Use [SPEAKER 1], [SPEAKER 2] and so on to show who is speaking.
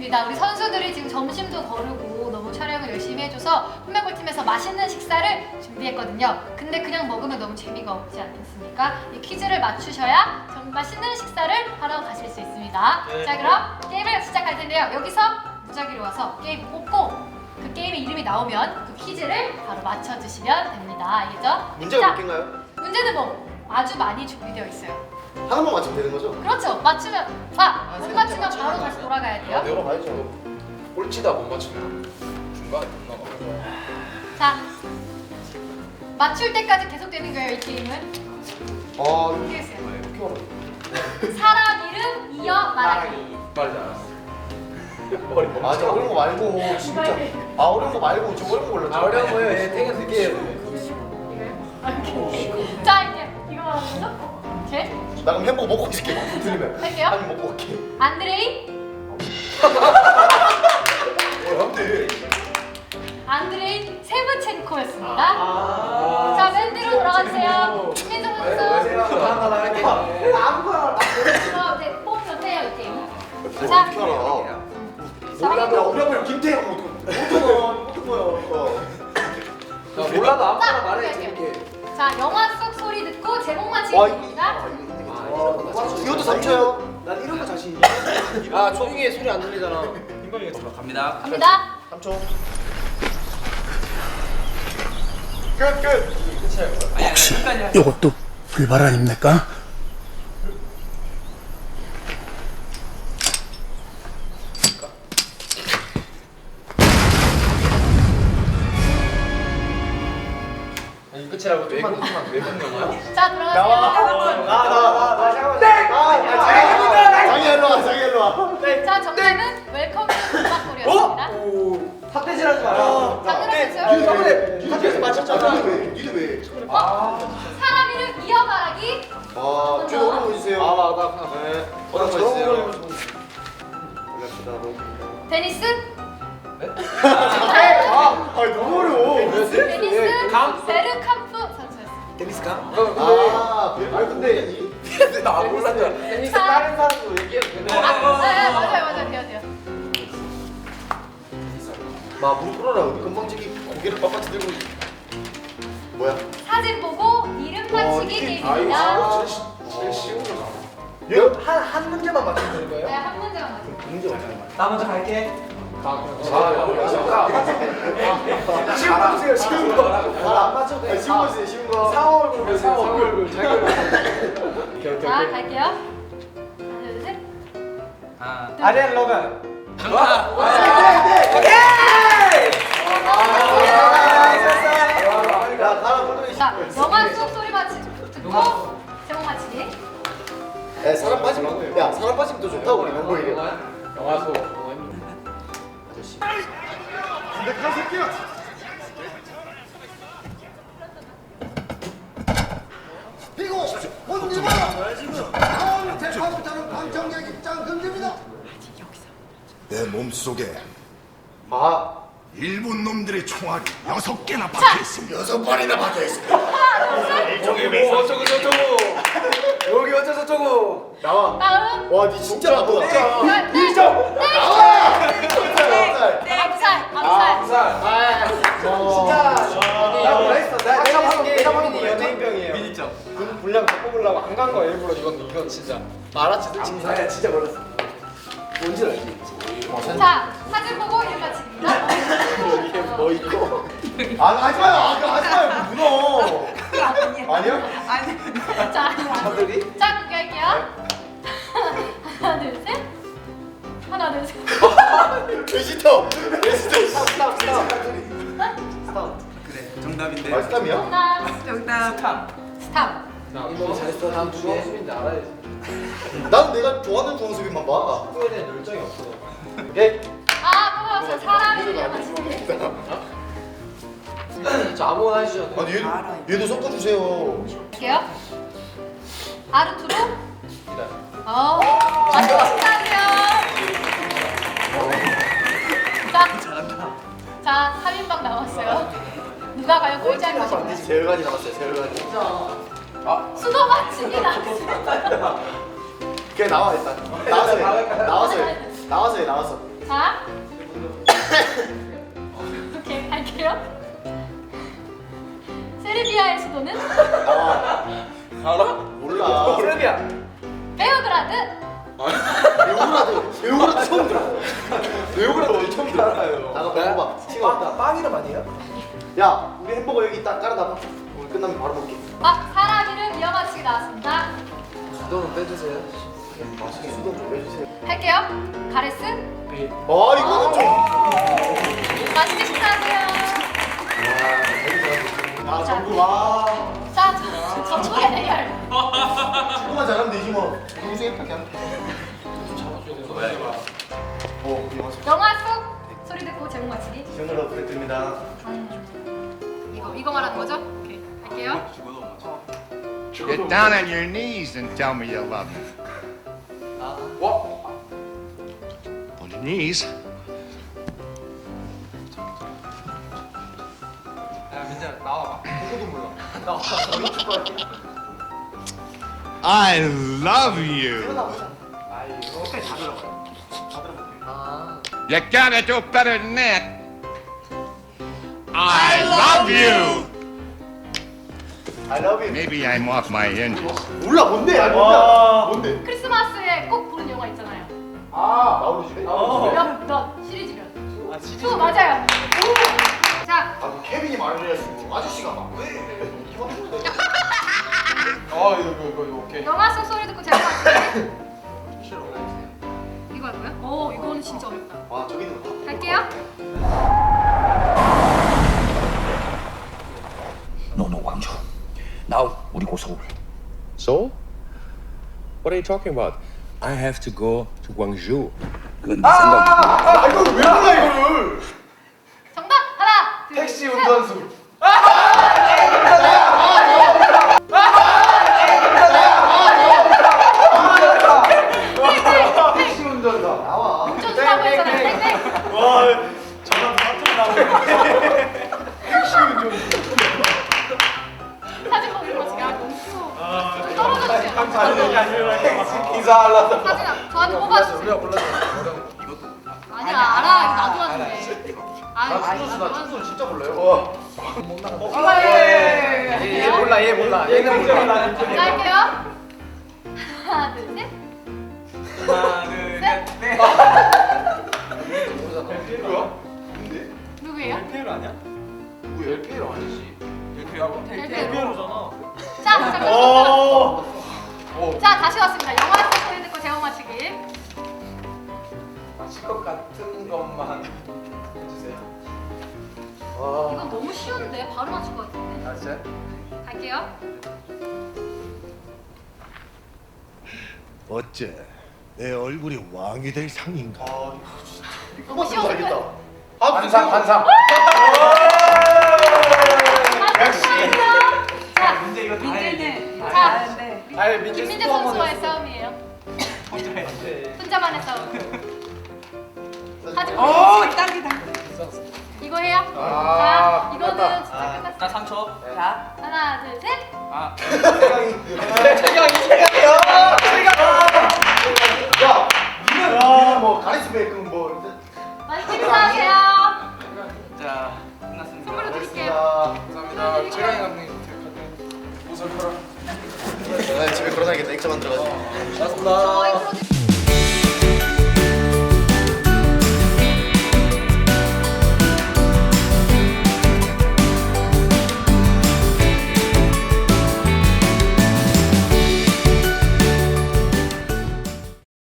[SPEAKER 1] 좋습니다. 우리 선수들이 지금 점심도 거르고 너무 촬영을 열심히 해줘서 홈메골팀에서 맛있는 식사를 준비했거든요. 근데 그냥 먹으면 너무 재미가 없지 않겠습니까? 이 퀴즈를 맞추셔야 정말 맛있는 식사를 하러 가실 수 있습니다.
[SPEAKER 2] 네.
[SPEAKER 1] 자, 그럼 게임을 시작할 텐데요. 여기서 무작위로 와서 게임 뽑고 그 게임의 이름이 나오면 그 퀴즈를 바로 맞춰주시면 됩니다. 알겠죠?
[SPEAKER 2] 문제가
[SPEAKER 1] 자,
[SPEAKER 2] 몇 개인가요?
[SPEAKER 1] 문제는 뭐 아주 많이 준비되어 있어요.
[SPEAKER 2] 하나만 맞추면 되는 거죠?
[SPEAKER 1] 그렇죠. 맞추면 못 맞추면 바로 다시 돌아가야 돼요.
[SPEAKER 2] 내가 봐야죠.
[SPEAKER 3] 꼴찌다 못 맞추면 중간에 못 나가.
[SPEAKER 1] 자, 맞출 때까지 계속되는 거예요. 이 게임은.
[SPEAKER 2] 아,
[SPEAKER 1] 모르겠어요.
[SPEAKER 2] 이렇게 말해.
[SPEAKER 1] 사람 이름 이어 말하기.
[SPEAKER 3] 빨리 알았어.
[SPEAKER 2] 아, 저 어려운 거 말고 진짜. 아, 어려운 거 말고 저 어려운 거 골랐죠.
[SPEAKER 3] 아, 어려운 거예요. 예, 되게 늦게.
[SPEAKER 1] 자, 이제 이거 말하는 거죠? 오케이.
[SPEAKER 2] 나 그럼 햄버거 먹고 있을게. 들리면.
[SPEAKER 1] 할게요.
[SPEAKER 2] 아니 먹고 갈게.
[SPEAKER 1] 안드레이.
[SPEAKER 2] 안돼.
[SPEAKER 1] 안드레이 세브첸코였습니다. 자, 맨 뒤로 돌아가주세요. 신민정 선수.
[SPEAKER 3] 하나 할게.
[SPEAKER 1] 네, 뽑으면 돼요, 이 게임.
[SPEAKER 2] 어떻게
[SPEAKER 1] 자,
[SPEAKER 2] 알아?
[SPEAKER 1] 사람이
[SPEAKER 2] 어려우면 김태형 어떡해.
[SPEAKER 3] 몰라도 아무거나
[SPEAKER 1] 자,
[SPEAKER 3] 말해.
[SPEAKER 1] 오케이,
[SPEAKER 3] 재밌게.
[SPEAKER 1] 자, 영화 속 소리 듣고 제목 맞히기
[SPEAKER 2] 와,
[SPEAKER 1] 입니다.
[SPEAKER 2] 이것도 3초요.
[SPEAKER 3] 난 이런 거 자신 있어. 아, 조용히 해. 소리 안 들리잖아. 갑니다.
[SPEAKER 1] 갑니다.
[SPEAKER 2] 3초. 끝.
[SPEAKER 4] 혹시 이것도 불발 아닙니까?
[SPEAKER 3] 아니, 끝이라고 좀만 왜 먹는 거야?
[SPEAKER 1] 자, 들어가세요.
[SPEAKER 2] 나 잠깐만. 장이 일로 와. 장이 일로 와.
[SPEAKER 1] 자, 정답은 웰컴 투 음악골이었습니다.
[SPEAKER 3] 삿대질하지 마라.
[SPEAKER 1] 장르를 쓰세요.
[SPEAKER 2] 학교에서 맞췄잖아. 니도 왜?
[SPEAKER 1] 사람 이름 이어 말하기.
[SPEAKER 2] 아, 좀 어려운 거 주세요.
[SPEAKER 3] 나
[SPEAKER 2] 네.
[SPEAKER 3] 저런 거 있어요.
[SPEAKER 1] 데니스.
[SPEAKER 2] 아, 너무 어려워.
[SPEAKER 1] 데니스
[SPEAKER 3] 감?
[SPEAKER 1] 베르캄프 선수였습니다.
[SPEAKER 3] 테니스가?
[SPEAKER 2] 아, 근데
[SPEAKER 3] 나 몰랐잖아. 테니스 다른 사람도 얘기해도 되네.
[SPEAKER 1] 네, 맞아요. 돼요.
[SPEAKER 2] 막 무릎 꿇어라. 건방지게 고개를 빳빳이 들고. 뭐야?
[SPEAKER 1] 사진 보고 이름 맞히기 게임입니다.
[SPEAKER 3] 제일 쉬운 거잖아.
[SPEAKER 2] 한 문제만 맞추면 되는
[SPEAKER 1] 네, 한 문제만 맞히기.
[SPEAKER 2] 문제 맞추는 거야.
[SPEAKER 3] 나 먼저 갈게.
[SPEAKER 2] 쉬운 거 주세요. 쉬운 거. 안 맞춰도 돼. 쉬운 거 주세요. 쉬운 거. 상어 얼굴.
[SPEAKER 3] 상어 얼굴. 자기 얼굴.
[SPEAKER 1] 자, 갈게요. 하나, 둘, 셋.
[SPEAKER 3] 아리안 로건.
[SPEAKER 1] 자, 영화 속 소리 맞히기 듣고 제목 맞히기.
[SPEAKER 2] 야, 사람 빠지면 야, 사람 빠지면 더 좋다고 우리 명고 이게.
[SPEAKER 3] 영화 속.
[SPEAKER 2] 아저씨. 그리고 본주가 다음 대파부터는 방청객 입장 금지입니다.
[SPEAKER 5] 내 몸속에
[SPEAKER 2] 마.
[SPEAKER 5] 일본 놈들의 총알이 6개나 박혀있습니다. 6발이나 박혀있습니다.
[SPEAKER 3] 어쩌고. 여기 어쩌고.
[SPEAKER 2] 나와.
[SPEAKER 1] 다음.
[SPEAKER 2] 와, 니 진짜 나쁘다.
[SPEAKER 1] 네.
[SPEAKER 2] 나와.
[SPEAKER 1] 암살.
[SPEAKER 3] 나 그랬어.
[SPEAKER 2] 내가 방금
[SPEAKER 3] 연예인병이에요. 미니점. 분량 다 뽑으려고 안 간 거야 일부러. 이건 진짜.
[SPEAKER 2] 말았지, 솔직히.
[SPEAKER 3] 아, 진짜 몰랐어. 뭔지 알지?
[SPEAKER 1] 자, 사진 보고 이름 맞히기입니다.
[SPEAKER 2] 이게 뭐 있고? 아, 하지 마요. 하지 마요. 문어. 아니요?
[SPEAKER 1] 자,
[SPEAKER 3] 차들이?
[SPEAKER 1] 자, 그렇게 할게요. 하나, 둘, 셋. 하나, 둘, 셋.
[SPEAKER 2] 베지터.
[SPEAKER 3] 스탑.
[SPEAKER 5] 그래, 정답인데.
[SPEAKER 2] 말스탐이야?
[SPEAKER 1] 정답. 스탑.
[SPEAKER 3] 이거 잘했어. 다음 주인지 알아야지.
[SPEAKER 2] 나는 내가 좋아하는 중앙수비만 봐.
[SPEAKER 3] 축구에 대한 열정이 없어.
[SPEAKER 2] 오케이?
[SPEAKER 1] 아, 또 나왔어요. 사람 이름 맞히기.
[SPEAKER 3] 저 아무거나 해주셔도 돼요.
[SPEAKER 2] 아니, 얘도 섞어주세요.
[SPEAKER 1] 할게요. 아르투로.
[SPEAKER 3] 기다려.
[SPEAKER 1] 맞습니다. 자, 3인방 나왔어요. 누가 과연 꼴찌할 것인가?
[SPEAKER 2] 세열간이 남았어요. 세열간이.
[SPEAKER 1] 수도 맞히기 나왔습니다.
[SPEAKER 2] 걔 나와 일단. 나와서 해. 나와서 해. 나와서 해. 나와서.
[SPEAKER 1] 자. 오케이, 할게요. 세르비아의 수도는
[SPEAKER 3] 알아?
[SPEAKER 2] 몰라.
[SPEAKER 3] 세르비아.
[SPEAKER 1] 베오그라드.
[SPEAKER 2] 배우라도 처음 들어. 배우라도 처음 들어요. 나가 배워봐.
[SPEAKER 3] 빵 이름 아니에요?
[SPEAKER 2] 야, 우리 햄버거 여기 딱 깔아놔봐. 오늘 끝나면 바로 먹게.
[SPEAKER 1] 사람 이름 영어치기 나왔습니다.
[SPEAKER 3] 수도는 빼주세요.
[SPEAKER 2] 맛있게 수도 좀 해주세요.
[SPEAKER 1] 할게요. 가레스.
[SPEAKER 2] 이거는 좀.
[SPEAKER 1] 맛있게 식사하세요.
[SPEAKER 2] 야, 전부 와.
[SPEAKER 1] 자, 전국의 대결.
[SPEAKER 2] 축구만 잘하면 되지 뭐. 동생한테 하면 돼. 이거 맞아.
[SPEAKER 1] 영화 속 소리 듣고 제목 맞히기.
[SPEAKER 2] 시원으로 부탁드립니다.
[SPEAKER 1] 이거 말하는 거죠? 오케이, 할게요.
[SPEAKER 5] Get down on your knees and tell me you love me. On your knees.
[SPEAKER 3] 야 민재 나와봐. 누구도 몰라.
[SPEAKER 5] I love you.
[SPEAKER 3] 끝까지 다 들어봐.
[SPEAKER 5] You gotta do better than that. I love you.
[SPEAKER 2] I love you.
[SPEAKER 5] Maybe I'm off my hinges.
[SPEAKER 2] 몰라 뭔데? 야 몰라. 뭔데?
[SPEAKER 1] 크리스마스에 꼭 보는 영화 있잖아요.
[SPEAKER 2] 나오는 집에.
[SPEAKER 1] 몇 시리즈면. 수 맞아요. 자,
[SPEAKER 2] 뭐 케빈이 말해가지고 아저씨가 막 왜?
[SPEAKER 3] 이거 오케이.
[SPEAKER 1] 영화 속 소리 듣고 제목 맞히기. 이거 할까요? 이거는 진짜 어렵다.
[SPEAKER 2] 저기 있는 거.
[SPEAKER 1] 갈게요.
[SPEAKER 4] 노노 광주. Now 우리 고 서울.
[SPEAKER 6] Seoul? What are you talking about? I have to go to Gwangju.
[SPEAKER 4] 그건 네 생각이고.
[SPEAKER 2] 이거 왜 몰라 이거를?
[SPEAKER 1] 정답 하나, 둘,
[SPEAKER 3] 택시
[SPEAKER 1] 셋.
[SPEAKER 3] 운전수. 택시 운전사.
[SPEAKER 2] 나와.
[SPEAKER 1] 운전수라고 했잖아요. 땡땡. 사진 보는 거 지금 너무 쉬워. 좀 떨어져주세요.
[SPEAKER 3] 인사하려다.
[SPEAKER 1] 사진 저한테 뽑아주세요.
[SPEAKER 3] 우리가 골랐어.
[SPEAKER 1] 아니야, 알아. 이거 나도 하는데. 아유,
[SPEAKER 2] 나 춤선 진짜 몰라요.
[SPEAKER 3] 얘 몰라. 얘는 몰라.
[SPEAKER 1] 자, 할게요. 하나, 둘, 셋. 누구예요?
[SPEAKER 3] LPL 아니야? 누구 LPL 아니지? LPL하고?
[SPEAKER 1] LPL로잖아. 자, 자, 다시 왔습니다. 영화 속 소리 듣고 제목 맞히기.
[SPEAKER 3] 맞힐 것 같은 것만 해주세요.
[SPEAKER 1] 이건 너무 쉬운데 바로 맞출 것 같은데.
[SPEAKER 3] 아 진짜?
[SPEAKER 1] 갈게요.
[SPEAKER 5] 어째 내 얼굴이 왕이 될 상인가?
[SPEAKER 1] 너무 쉬운데.
[SPEAKER 3] 관상.
[SPEAKER 1] 자,
[SPEAKER 3] 문제 이거 다 해.
[SPEAKER 1] 자,
[SPEAKER 3] 아니 민재
[SPEAKER 1] 김민재
[SPEAKER 3] 스포 한번
[SPEAKER 1] 선수와의
[SPEAKER 3] 했어.
[SPEAKER 1] 싸움이에요. 혼자만의 싸움. 사진
[SPEAKER 7] 딱이다.
[SPEAKER 1] 이거 해요?
[SPEAKER 3] 아,
[SPEAKER 1] 자, 이거는
[SPEAKER 3] 끝났다.
[SPEAKER 1] 진짜 끝났어.
[SPEAKER 3] 나 3초.
[SPEAKER 7] 자,
[SPEAKER 1] 하나, 둘, 셋.
[SPEAKER 3] 최경이요.
[SPEAKER 2] 야, 니는 뭐 가리스베 그뭐
[SPEAKER 1] 맛있게 식사하세요.
[SPEAKER 3] 자, 끝났습니다.
[SPEAKER 1] 선물로 드릴게요.
[SPEAKER 3] 감사합니다. 최강희 감독님 옷을 팔아.
[SPEAKER 2] 집에 걸어놔야겠다. 액자 만들어가지고.
[SPEAKER 3] 고맙습니다.
[SPEAKER 1] 저희 프로젝트